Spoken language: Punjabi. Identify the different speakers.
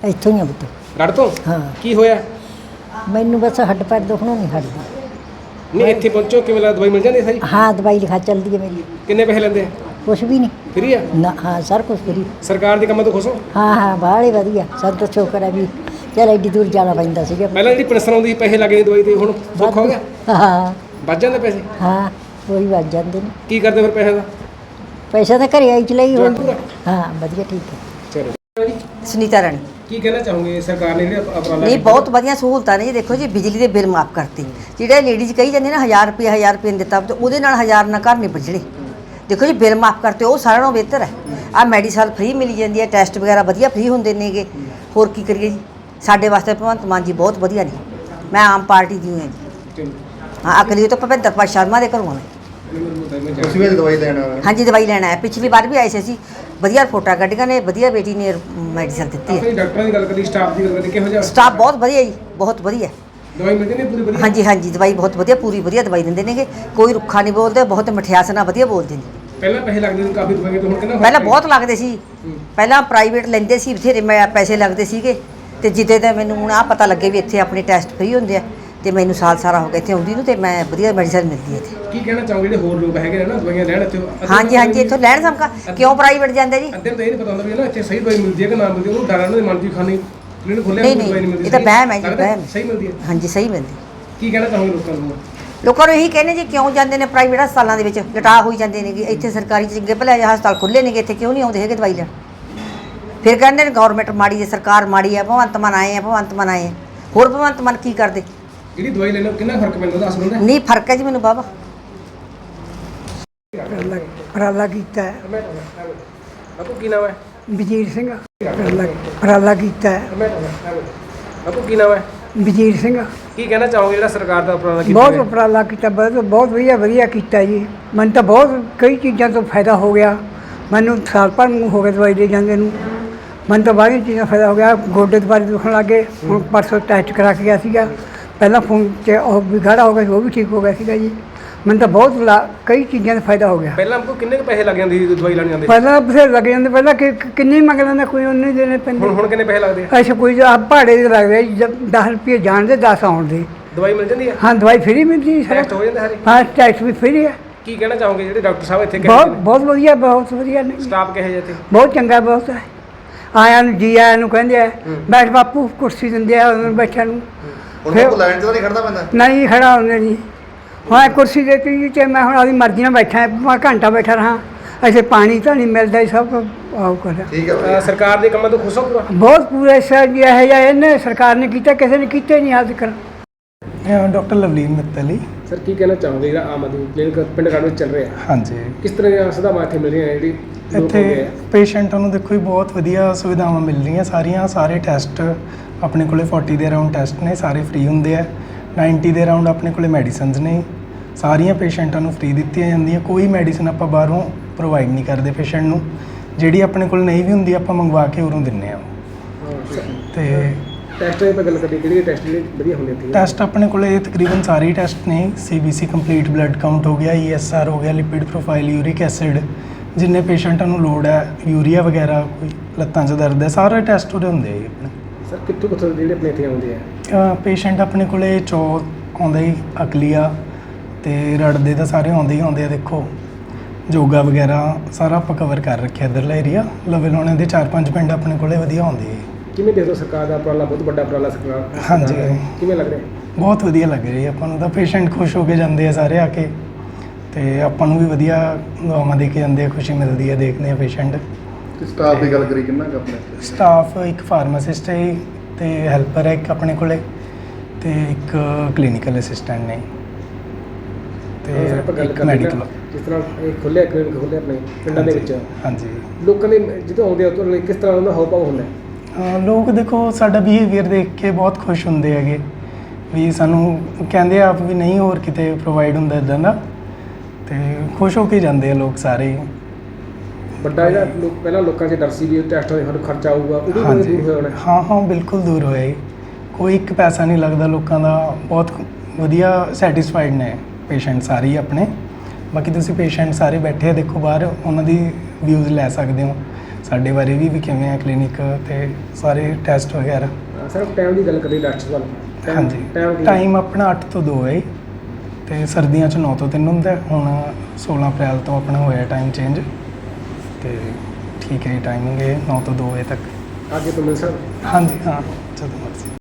Speaker 1: ਇੱਥੋਂ ਹੀ ਆ ਪੁੱਤ।
Speaker 2: ਰੜ ਤੋਂ?
Speaker 1: ਹਾਂ।
Speaker 2: ਕੀ ਹੋਇਆ?
Speaker 1: ਮੈਨੂੰ ਬਸ ਹੱਡ ਪੈਰ ਦੁਖਣੋਂ ਨਹੀਂ ਹਟਦੀ।
Speaker 2: ਨਹੀਂ ਇੱਥੇ ਪਹੁੰਚੋ ਕਿਵੇਂ ਲੱਗਦਾ, ਦਵਾਈ ਮਿਲ ਜਾਂਦੀ ਹੈ ਸਾਰੀ?
Speaker 1: ਹਾਂ ਦਵਾਈ ਲਿਖਾ ਚੱਲਦੀ ਹੈ ਮੇਰੀ।
Speaker 2: ਕਿੰਨੇ ਪੈਸੇ ਲੈਂਦੇ ਆ?
Speaker 1: ਕੁਛ ਵੀ ਨਹੀਂ
Speaker 2: ਫਰੀ ਆ?
Speaker 1: ਨਾ। ਹਾਂ ਸਰ ਕੁਛ ਫਰੀ।
Speaker 2: ਸਰਕਾਰ ਦੇ ਕੰਮਾਂ ਤੋਂ ਖੁਸ਼ ਹੋ?
Speaker 1: ਹਾਂ ਬਾਹਲੇ ਵਧੀਆ। ਸਾਨੂੰ ਤਾਂ ਸ਼ੁਕਰ ਹੈ ਵੀ ਚੱਲ ਐਡੀ ਦੂਰ ਜਾਣਾ ਪੈਂਦਾ ਸੀਗਾ।
Speaker 2: ਪਹਿਲਾਂ ਜਿਹੜੀ ਪੈਨਸ਼ਨ ਆਉਂਦੀ ਸੀ ਪੈਸੇ ਲੱਗਦੇ ਦਵਾਈ ਦੇ, ਹੁਣ ਸੌਖਾ ਹੋ ਗਿਆ?
Speaker 1: ਹਾਂ
Speaker 2: ਵੱਧ ਜਾਂਦੇ ਪੈਸੇ?
Speaker 1: ਹਾਂ ਉਹੀ ਵੱਜ ਜਾਂਦੇ ਨੇ।
Speaker 2: ਕੀ ਕਰਦੇ ਫਿਰ ਪੈਸੇ ਦਾ?
Speaker 1: ਪੈਸਾ ਤਾਂ ਘਰੇ ਆਈ ਚਲਾਈ
Speaker 2: ਜਵਾਕ
Speaker 1: ਹੋਈ।
Speaker 2: ਪੂਰਾ?
Speaker 1: ਹਾਂ ਵਧੀਆ ਠੀਕ ਹੈ।
Speaker 2: ਚਲੋ
Speaker 3: ਸੁਨੀਤਾ ਰਾਣੀ।
Speaker 2: ਕੀ ਕਹਿਣਾ ਚਾਹੋਗੇ ਸਰਕਾਰ ਨੇ ਜਿਹੜੇ ਉਪਰਾਲਾ
Speaker 3: ਨਹੀਂ ਬਹੁਤ ਵਧੀਆ ਸਹੂਲਤਾਂ ਨੇ ਜੀ। ਦੇਖੋ ਜੀ ਬਿਜਲੀ ਦੇ ਬਿੱਲ ਮਾਫ ਕਰਤੇ, ਜਿਹੜੇ ਲੇਡੀਜ਼ ਕਹੀ ਜਾਂਦੇ ਨਾ 1000 ਰੁਪਏ ਨਹੀਂ ਦਿੱਤਾ, ਤੇ ਉਹਦੇ ਨਾਲ 1000 ਨਾਲ ਘਰ ਨਹੀਂ ਬਜਣੇ। ਦੇਖੋ ਜੀ ਬਿੱਲ ਮਾਫ ਕਰਤੇ, ਉਹ ਸਾਰਿਆਂ ਨਾਲੋਂ ਬਿਹਤਰ ਹੈ। ਆਹ ਮੈਡੀਸਨ ਫ੍ਰੀ ਮਿਲੀ ਜਾਂਦੀ ਹੈ, ਟੈਸਟ ਵਗੈਰਾ ਵਧੀਆ ਫ੍ਰੀ ਹੁੰਦੇ ਨੇਗੇ। ਹੋਰ ਕੀ ਕਰੀਏ ਜੀ, ਸਾਡੇ ਵਾਸਤੇ ਭਗਵੰਤ ਮਾਨ ਜੀ ਬਹੁਤ ਵਧੀਆ ਨੇ। ਮੈਂ ਆਮ ਪਾਰਟੀ ਦੀ ਹਾਂ ਜੀ। ਹਾਂ ਅਕਲੀ ਤੋਂ ਭਵਿੰਦਰ ਪਾਲ ਸ਼ਰਮਾ ਦੇ ਘਰੋਂ ਹਾਂ ਮੈਂ।
Speaker 4: ਤੁਸੀਂ ਵੀ ਦਵਾਈ ਲੈਣ ਆਏ?
Speaker 3: ਹਾਂਜੀ ਦਵਾਈ ਲੈਣਾ ਹੈ। ਪਿਛਲੀ ਵਾਰ ਵੀ ਆਏ ਸੀ ਅਸੀਂ, ਵਧੀਆ ਰਿਪੋਰਟਾਂ ਕੱਢੀਆਂ ਨੇ, ਵਧੀਆ ਬੇਟੀ ਨੇ ਮੈਡੀਸਨ ਦਿੱਤੀ ਹੈ।
Speaker 2: ਆਪਣੀ ਡਾਕਟਰਾਂ ਦੀ ਗੱਲ ਕਰੀ, ਸਟਾਫ ਦੀ ਗੱਲ ਕਰੀ, ਕਿਹੋ ਜਿਹਾ
Speaker 3: ਸਟਾਫ ਬਹੁਤ ਵਧੀਆ ਜੀ, ਬਹੁਤ ਵਧੀਆ।
Speaker 2: ਦਵਾਈ ਮਿਲਦੀ ਨਹੀਂ ਪੂਰੀ ਵਧੀਆ?
Speaker 3: ਹਾਂਜੀ ਹਾਂਜੀ ਦਵਾਈ ਬਹੁਤ ਵਧੀਆ, ਪੂਰੀ ਵਧੀਆ ਦਵਾਈ ਦਿੰਦੇ ਨੇਗੇ। ਕੋਈ ਰੁੱਖਾ ਨਹੀਂ ਬੋਲਦੇ, ਬਹੁਤ ਮਠਿਆਸ ਨਾਲ ਵਧੀਆ ਬੋਲਦੇ ਨੇ।
Speaker 2: ਪਹਿਲਾਂ ਪੈਸੇ ਲੱਗਦੇ ਸੀ ਕਾਫੀ ਦਵਾਈਆਂ ਤੋਂ, ਹੁਣ ਕਿੰਨਾ
Speaker 3: ਪਹਿਲਾਂ ਬਹੁਤ ਲੱਗਦੇ ਸੀ। ਪਹਿਲਾਂ ਪ੍ਰਾਈਵੇਟ ਲੈਂਦੇ ਸੀ ਬਥੇਰੇ, ਮੈਂ ਪੈਸੇ ਲੱਗਦੇ ਸੀਗੇ। ਤੇ ਜਿੱਦੇ ਦਾ ਮੈਨੂੰ ਹੁਣ ਆਹ ਪਤਾ ਲੱਗੇ ਵੀ ਇੱਥੇ ਆਪਣੇ ਟੈਸਟ ਫ੍ਰੀ ਹੁੰਦੇ ਆ, ਤੇ ਮੈਨੂੰ ਸਾਲ ਸਾਰਾ ਹੋ ਗਿਆ ਇੱਥੇ ਆਉਂਦੀ ਨੂੰ, ਤੇ ਮੈਂ ਵਧੀਆ ਮੈਡੀਸਨ ਮਿਲਦੀ ਹੈ ਇੱਥੇ।
Speaker 2: ਕੀ ਕਹਿਣਾ ਚਾਹੋਗੇ ਜਿਹੜੇ ਹੋਰ ਲੋਕ ਹੈਗੇ ਨੇ ਨਾ ਦਵਾਈਆਂ ਲੈਣ ਇੱਥੇ?
Speaker 3: ਹਾਂਜੀ ਹਾਂਜੀ ਇੱਥੋਂ ਲੈਣ ਸਮਕਾ, ਕਿਉਂ ਪ੍ਰਾਈਵੇਟ ਜਾਂਦੇ ਜੀ?
Speaker 2: ਅੱਧੇ ਨੂੰ ਤਾਂ ਇਹ ਨਹੀਂ ਪਤਾ ਹੁੰਦਾ ਵੀ ਨਾ ਇੱਥੇ ਸਹੀ ਦਵਾਈ ਮਿਲਦੀ ਹੈ ਕਿ ਨਾ ਮਿਲਦੀ, ਉਹਨੂੰ ਡਰਾਂ ਦੇ ਮਨ ਦੀ ਖਾਣੀ ਜਿਹਨੂੰ ਖੋਲਿਆ
Speaker 3: ਨਹੀਂ
Speaker 2: ਦਵਾਈ ਨਹੀਂ
Speaker 3: ਨਹੀਂ
Speaker 2: ਮਿਲਦੀ।
Speaker 3: ਇਹ ਤਾਂ ਵਹਿਮ ਹੈ ਜੀ,
Speaker 2: ਲੱਗਦਾ
Speaker 3: ਵਹਿਮ।
Speaker 2: ਸਹੀ ਮਿਲਦੀ ਹੈ?
Speaker 3: ਹਾਂਜੀ ਸਹੀ ਮਿਲਦੀ।
Speaker 2: ਕੀ ਕਹਿਣਾ ਚਾਹੋਗੇ ਲੋਕਾਂ ਨੂੰ?
Speaker 3: ਲੋਕਾਂ ਨੂੰ ਇਹੀ ਕਹਿੰਦੇ ਜੀ ਕਿਉਂ ਜਾਂਦੇ ਨੇ ਪ੍ਰਾਈਵੇਟ ਹਸਪਤਾਲਾਂ ਦੇ ਵਿੱਚ, ਲਟਾ ਹੋਈ ਜਾਂਦੇ ਨੇਗੇ। ਇੱਥੇ ਸਰਕਾਰੀ ਚੰਗੇ ਭਲੇ ਹਸਪਤਾਲ ਖੁੱਲ੍ਹੇ ਨੇਗੇ, ਇੱਥੇ ਕਿਉਂ ਨਹੀਂ ਆਉਂਦੇ ਹੈਗੇ ਦਵਾਈ ਲੈਣ? ਫਿਰ ਕਹਿੰਦੇ ਨੇ ਗਵਰਨਮੈਂਟ ਮਾੜੀ ਹੈ, ਸਰਕਾਰ ਮਾੜੀ ਹੈ, ਭਗਵੰਤ ਮਾਨ ਆਏ ਆ, ਭਗਵੰਤ ਮਾਨ ਆਏ ਆ। ਹੋਰ ਭਗਵੰਤ ਮਾਨ ਕੀ ਕਰਦੇ?
Speaker 2: ਜਿਹੜੀ ਦਵਾਈ ਲੈਣ ਕਿੰਨਾ ਫਰਕ ਪੈਂਦਾ ਦੱਸ ਦਿੰਦਾ?
Speaker 3: ਨਹੀਂ ਫਰਕ ਹੈ ਜੀ ਮੈਨੂੰ ਬਾਬਾ।
Speaker 5: ਉਪਰਾਲਾ ਕੀਤਾ ਹੈ।
Speaker 2: ਬਾਪੂ ਕੀ ਨਾਮ ਹੈ?
Speaker 5: ਵਜ਼ੀਰ ਸਿੰਘ। ਉਪਰਾਲਾ ਕੀਤਾ ਹੈ।
Speaker 2: ਬਾਪੂ ਕੀ ਨਾਮ ਹੈ?
Speaker 5: ਵਜ਼ੀਰ ਸਿੰਘ।
Speaker 2: ਕੀ ਕਹਿਣਾ ਚਾਹੋਗੇ ਜਿਹੜਾ ਸਰਕਾਰ ਦਾ ਉਪਰਾਲਾ ਕੀਤਾ
Speaker 5: ਬਹੁਤ
Speaker 2: ਗਿਆ?
Speaker 5: ਉਪਰਾਲਾ ਕੀਤਾ, ਬਹੁਤ ਵਧੀਆ ਕੀਤਾ ਜੀ। ਮੈਨੂੰ ਤਾਂ ਬਹੁਤ ਕਈ ਚੀਜ਼ਾਂ ਤੋਂ ਫਾਇਦਾ ਹੋ ਗਿਆ। ਮੈਨੂੰ ਸਾਲ ਭਰ ਨੂੰ ਹੋ ਗਿਆ ਦਵਾਈ ਦੇ ਜਾਂਦੇ ਨੂੰ। ਮੈਨੂੰ ਤਾਂ ਬਾਹਰੀਆਂ ਚੀਜ਼ਾਂ ਫਾਇਦਾ ਹੋ ਗਿਆ। ਗੋਡੇ ਦੁਬਾਰੇ ਦੁਖਣ ਲੱਗ ਗਏ, ਹੁਣ ਪਰਸੋਂ ਟੈਸਟ ਕਰਾ ਕੇ ਗਿਆ ਸੀਗਾ। ਪਹਿਲਾਂ ਫੋਨ 'ਚ ਉਹ ਵੀ ਗਾੜਾ ਹੋ ਗਿਆ ਸੀ, ਉਹ ਵੀ ਠੀਕ ਹੋ ਗਿਆ ਸੀਗਾ ਜੀ। ਮੈਨੂੰ ਤਾਂ ਬਹੁਤ ਕਈ ਚੀਜ਼ਾਂ ਦਾ ਫਾਇਦਾ ਹੋ ਗਿਆ।
Speaker 2: ਪਹਿਲਾਂ ਆਪਕੋ ਕਿੰਨੇ ਕੁ ਪੈਸੇ ਲੱਗ ਜਾਂਦੇ ਸੀ ਦਵਾਈ ਲੈਣ ਜਾਂਦੇ?
Speaker 5: ਪਹਿਲਾਂ ਬਥੇਰੇ ਲੱਗ ਜਾਂਦੇ, ਪਹਿਲਾਂ ਕਿੰਨੇ ਮੰਗ ਲੈਂਦਾ, ਕੋਈ ਉਹਨੇ ਦੇਣੇ ਪੈਂਦੇ।
Speaker 2: ਹੁਣ ਕਿੰਨੇ ਪੈਸੇ ਲੱਗਦੇ ਆ?
Speaker 5: ਅੱਛਾ ਕੋਈ ਭਾੜੇ ਦੇ ਲੱਗਦੇ 10 ਰੁਪਏ ਜਾਣ ਦੇ 10 ਆਉਣ ਦੇ।
Speaker 2: ਦਵਾਈ ਮਿਲ ਜਾਂਦੀ ਹੈ?
Speaker 5: ਹਾਂ ਦਵਾਈ ਫ੍ਰੀ ਮਿਲਦੀ ਹੈ।
Speaker 2: ਟੈਸਟ ਹੋ ਜਾਂਦੇ ਸਾਰੇ?
Speaker 5: ਹਾਂ ਟੈਸਟ ਵੀ ਫ੍ਰੀ ਹੈ।
Speaker 2: ਕੀ ਕਹਿਣਾ ਚਾਹੋਗੇ ਜਿਹੜੇ ਡਾਕਟਰ ਸਾਹਿਬ ਇੱਥੇ
Speaker 5: ਬਹੁਤ ਵਧੀਆ ਨੇ।
Speaker 2: ਸਟਾਫ ਕਿਹੋ ਜਿਹਾ ਇੱਥੇ?
Speaker 5: ਬਹੁਤ ਚੰਗਾ, ਬਹੁਤ ਹੈ। ਆਇਆਂ ਨੂੰ ਜੀ ਆਇਆਂ ਨੂੰ ਕਹਿੰਦੇ ਆ, ਬੈਠ ਬਾਪੂ, ਕੁਰਸੀ ਦਿੰਦੇ ਆ ਉਹਨਾਂ ਨੂੰ ਬੈਠਣ ਨੂੰ।
Speaker 4: ਹੁਣ ਉਹ ਲਾਈਨ 'ਚ ਤਾਂ ਨਹੀਂ ਖੜਨਾ ਪੈਂਦਾ?
Speaker 5: ਨਹੀਂ ਖੜਾ ਹੁੰਦੇ ਜੀ। ਹਾਂ ਕੁਰਸੀ ਦੇ ਦਿੱਤੀ ਜੀ, ਤੇ ਮੈਂ ਹੁਣ ਆਪਣੀ ਮਰਜ਼ੀ ਨਾਲ ਬੈਠਾ, ਮੈਂ ਘੰਟਾ ਬੈਠਾ ਰਹਾ। ਐਸੇ ਪਾਣੀ ਤਾਂ ਨਹੀਂ ਮਿਲਦਾ, ਸਭ ਆਉ ਕਰ।
Speaker 4: ਠੀਕ ਹੈ।
Speaker 2: ਸਰਕਾਰ ਦੇ ਕੰਮਾਂ ਤੋਂ ਖੁਸ਼ ਹੋ ਪੂਰਾ?
Speaker 5: ਬਹੁਤ ਪੂਰਾ ਸਰ ਜੀ, ਇਹੋ ਜਿਹਾ ਇਹਨੇ ਸਰਕਾਰ ਨੇ ਕੀਤਾ, ਕਿਸੇ ਨੇ ਕੀਤਾ ਨਹੀਂ ਅੱਜ ਤੱਕ।
Speaker 6: ਡਾਕਟਰ ਲਵਲੀਨ ਮਿੱਤਲ।
Speaker 2: ਸਰ ਕੀ ਕਹਿਣਾ ਚਾਹੋਗੇ ਜਿਹੜਾ ਆਮ ਆਦਮੀ ਕਲੀਨਿਕ ਪਿੰਡ ਘਰ ਵਿੱਚ ਚੱਲ ਰਿਹਾ,
Speaker 6: ਹਾਂਜੀ
Speaker 2: ਕਿਸ ਤਰ੍ਹਾਂ ਦੀਆਂ ਸੁਵਿਧਾਵਾਂ ਇੱਥੇ ਮਿਲ ਰਹੀਆਂ ਜਿਹੜੀ
Speaker 6: ਇੱਥੇ ਪੇਸ਼ੈਂਟਾਂ ਨੂੰ ਦੇਖੋ ਜੀ ਬਹੁਤ ਵਧੀਆ ਸੁਵਿਧਾਵਾਂ ਮਿਲ ਰਹੀਆਂ ਸਾਰੀਆਂ। ਸਾਰੇ ਟੈਸਟ ਆਪਣੇ ਕੋਲੇ 40 ਦੇ ਅਰਾਊਂਡ ਟੈਸਟ ਨੇ, ਸਾਰੇ ਫ੍ਰੀ ਹੁੰਦੇ ਆ। 90 ਦੇ ਅਰਾਊਂਡ ਆਪਣੇ ਕੋਲੇ ਮੈਡੀਸਨਸ ਨੇ, ਸਾਰੀਆਂ ਪੇਸ਼ੈਂਟਾਂ ਨੂੰ ਫ੍ਰੀ ਦਿੱਤੀਆਂ ਜਾਂਦੀਆਂ। ਕੋਈ ਮੈਡੀਸਨ ਆਪਾਂ ਬਾਹਰੋਂ ਪ੍ਰੋਵਾਈਡ ਨਹੀਂ ਕਰਦੇ ਪੇਸ਼ੈਂਟ ਨੂੰ। ਜਿਹੜੀ ਆਪਣੇ ਕੋਲ ਨਹੀਂ ਵੀ ਹੁੰਦੀ ਆਪਾਂ ਮੰਗਵਾ ਕੇ ਉਰੋਂ ਦਿੰਦੇ ਆ। ਤੇ
Speaker 2: ਟੈਸਟ ਦੀ ਗੱਲ ਕਰੀਏ, ਕਿਹੜੇ ਟੈਸਟ ਜਿਹੜੇ ਵਧੀਆ ਹੁੰਦੇ ਇੱਥੇ?
Speaker 6: ਟੈਸਟ ਆਪਣੇ ਕੋਲੇ ਤਕਰੀਬਨ ਸਾਰੇ ਟੈਸਟ ਨੇ। CBC ਕੰਪਲੀਟ ਬਲੱਡ ਕਾਊਂਟ ਹੋ ਗਿਆ, ESR ਹੋ ਗਿਆ, ਲਿਪਿਡ ਪ੍ਰੋਫਾਈਲ, ਯੂਰਿਕ ਐਸਿਡ, ਜਿੰਨੇ ਪੇਸ਼ੈਂਟਾਂ ਨੂੰ ਲੋੜ ਹੈ, ਯੂਰੀਆ ਵਗੈਰਾ, ਕੋਈ ਲੱਤਾਂ 'ਚ ਦਰਦ ਹੈ, ਸਾਰੇ ਟੈਸਟ ਉਹਦੇ ਹੁੰਦੇ ਆ ਆਪਣੇ।
Speaker 2: ਸਰ ਕਿੱਥੋਂ ਜਿਹੜੇ ਆਪਣੇ ਇੱਥੇ ਆਉਂਦੇ ਆ?
Speaker 6: ਪੇਸ਼ੈਂਟ ਆਪਣੇ ਕੋਲੇ ਆਉਂਦਾ ਹੀ ਅਕਲੀਆ ਤੇ ਰੜਦੇ ਤਾਂ ਸਾਰੇ ਆਉਂਦੇ ਹੀ ਆਉਂਦੇ ਆ। ਦੇਖੋ ਯੋਗਾ ਵਗੈਰਾ ਸਾਰਾ ਆਪਾਂ ਕਵਰ ਕਰ ਰੱਖਿਆ ਇੱਧਰਲਾ ਏਰੀਆ। ਲਵੇ ਲਾਉਣੇ ਦੇ 4-5 ਪਿੰਡ ਆਪਣੇ ਕੋਲੇ ਵਧੀਆ ਆਉਂਦੇ ਆ।
Speaker 2: ਕਿਵੇਂ ਦੇਖੋ ਸਰਕਾਰ ਦਾ ਉਪਰਾਲਾ? ਬਹੁਤ ਵੱਡਾ ਉਪਰਾਲਾ ਸਰਕਾਰ।
Speaker 6: ਹਾਂਜੀ।
Speaker 2: ਕਿਵੇਂ ਲੱਗ ਰਿਹਾ?
Speaker 6: ਬਹੁਤ ਵਧੀਆ ਲੱਗ ਰਿਹਾ ਆਪਾਂ ਨੂੰ ਤਾਂ। ਪੇਸ਼ੈਂਟ ਖੁਸ਼ ਹੋ ਕੇ ਜਾਂਦੇ ਆ ਸਾਰੇ ਆ ਕੇ, ਤੇ ਆਪਾਂ ਨੂੰ ਵੀ ਵਧੀਆ ਦੁਆਵਾਂ ਦੇ ਕੇ ਜਾਂਦੇ ਆ, ਖੁਸ਼ੀ ਮਿਲਦੀ ਹੈ ਦੇਖਦੇ ਆ ਪੇਸ਼ੈਂਟ।
Speaker 4: ਸਟਾਫ ਦੀ ਗੱਲ ਕਰੀ ਕਿੰਨਾ ਕੁ ਆਪਣੇ?
Speaker 6: ਸਟਾਫ ਇੱਕ ਫਾਰਮਾਸਿਸਟ ਹੈ ਤੇ ਹੈਲਪਰ ਹੈ ਇੱਕ ਆਪਣੇ ਕੋਲੇ, ਤੇ ਇੱਕ ਕਲੀਨਿਕਲ ਅਸਿਸਟੈਂਟ ਨੇ, ਤੇ ਇੱਕ ਮੈਡੀਕਲ।
Speaker 2: ਜਿਸ ਤਰ੍ਹਾਂ ਇਹ ਖੁੱਲ੍ਹਿਆ ਕਲੀਨਿਕ ਖੁੱਲ੍ਹਿਆ ਆਪਣੇ ਪਿੰਡਾਂ ਦੇ ਵਿੱਚ,
Speaker 6: ਹਾਂਜੀ
Speaker 2: ਲੋਕਾਂ ਦੇ ਜਦੋਂ ਆਉਂਦੇ ਆ ਤਾਂ ਕਿਸ ਤਰ੍ਹਾਂ ਉਹਨਾਂ ਦਾ ਹਾਵ ਭਾਵ ਹੁੰਦਾ?
Speaker 6: ਲੋਕ ਦੇਖੋ ਸਾਡਾ ਬਿਹੇਵੀਅਰ ਦੇਖ ਕੇ ਬਹੁਤ ਖੁਸ਼ ਹੁੰਦੇ ਹੈਗੇ, ਵੀ ਸਾਨੂੰ ਕਹਿੰਦੇ ਆਪ ਵੀ ਨਹੀਂ ਹੋਰ ਕਿਤੇ ਪ੍ਰੋਵਾਈਡ ਹੁੰਦਾ ਇੱਦਾਂ ਦਾ, ਤੇ ਖੁਸ਼ ਹੋ ਕੇ ਜਾਂਦੇ ਆ ਲੋਕ ਸਾਰੇ।
Speaker 2: ਵੱਡਾ ਜਿਹੜਾ ਪਹਿਲਾਂ ਲੋਕਾਂ 'ਚ ਡਰ ਸੀ ਵੀ ਟੈਸਟਾਂ ਦੇ ਸਾਨੂੰ ਖਰਚਾ ਆਊਗਾ, ਉਹ ਵੀ
Speaker 6: ਹਾਂਜੀ
Speaker 2: ਦੂਰ ਹੋਇਆ?
Speaker 6: ਹਾਂ ਬਿਲਕੁਲ ਦੂਰ ਹੋਇਆ ਜੀ। ਕੋਈ ਇੱਕ ਪੈਸਾ ਨਹੀਂ ਲੱਗਦਾ ਲੋਕਾਂ ਦਾ। ਬਹੁਤ ਵਧੀਆ ਸੈਟਿਸਫਾਈਡ ਨੇ ਪੇਸ਼ੈਂਟ ਸਾਰੇ ਹੀ ਆਪਣੇ। ਬਾਕੀ ਤੁਸੀਂ ਪੇਸ਼ੈਂਟ ਸਾਰੇ ਬੈਠੇ ਆ ਦੇਖੋ ਬਾਹਰ, ਉਹਨਾਂ ਦੀ ਵਿਊਜ਼ ਲੈ ਸਕਦੇ ਹੋ। ਸਾਡੇ ਬਾਰੇ ਵੀ ਕਿਵੇਂ ਹੈ ਕਲੀਨਿਕ ਤੇ ਸਾਰੇ ਟੈਸਟ ਵਗੈਰਾ।
Speaker 2: ਸਰ ਟਾਈਮ ਦੀ ਗੱਲ ਕਰੀਏ ਡਾਕਟਰ ਸਾਹਿਬ
Speaker 6: ਹਾਂਜੀ
Speaker 2: ਟਾਈਮ
Speaker 6: ਟਾਈਮ ਆਪਣਾ 8 ਤੋਂ 2 ਹੈ ਤੇ ਸਰਦੀਆਂ 'ਚ 9 ਤੋਂ 3 ਹੁੰਦਾ ਹੈ। ਹੁਣ 16 ਅਪ੍ਰੈਲ ਤੋਂ ਆਪਣਾ ਹੋਇਆ ਟਾਈਮ ਚੇਂਜ ਤੇ ਠੀਕ ਹੈ ਜੀ ਟਾਈਮਿੰਗ ਹੈ 9 ਤੋਂ 2 ਵਜੇ ਤੱਕ।
Speaker 2: ਅੱਗੇ ਤੋਂ ਮਿਲ ਸਕਦਾ।
Speaker 6: ਹਾਂਜੀ ਹਾਂ ਜਦੋਂ ਮਰਜ਼ੀ।